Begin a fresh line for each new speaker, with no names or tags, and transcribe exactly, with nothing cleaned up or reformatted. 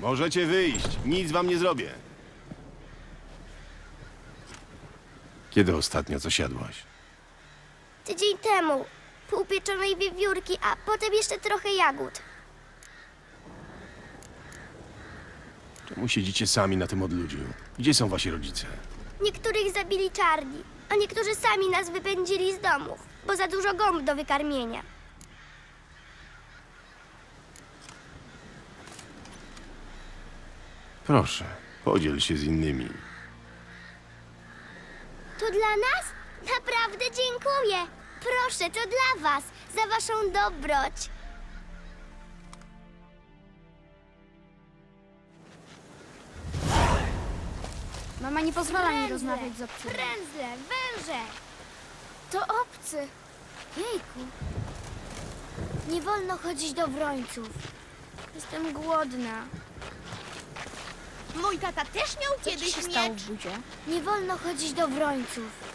Możecie wyjść. Nic wam nie zrobię. Kiedy ostatnio coś jadłaś?
Tydzień temu. Pół pieczonej wiewiórki, a potem jeszcze trochę jagód.
Czemu siedzicie sami na tym odludziu? Gdzie są wasi rodzice?
Niektórych zabili czarni, a niektórzy sami nas wypędzili z domów, bo za dużo gąb do wykarmienia.
Proszę, podziel się z innymi.
To dla nas? Naprawdę dziękuję. Proszę, to dla was, za waszą dobroć.
Mama nie pozwala mi
Frędzle,
rozmawiać z obcymi.
Frędzle, węże. To obcy. Jejku. Nie wolno chodzić do wrońców. Jestem głodna.
Mój tata też miał
Co ci
kiedyś
się stało
miecz.
w budzie?
Nie wolno chodzić do wrońców.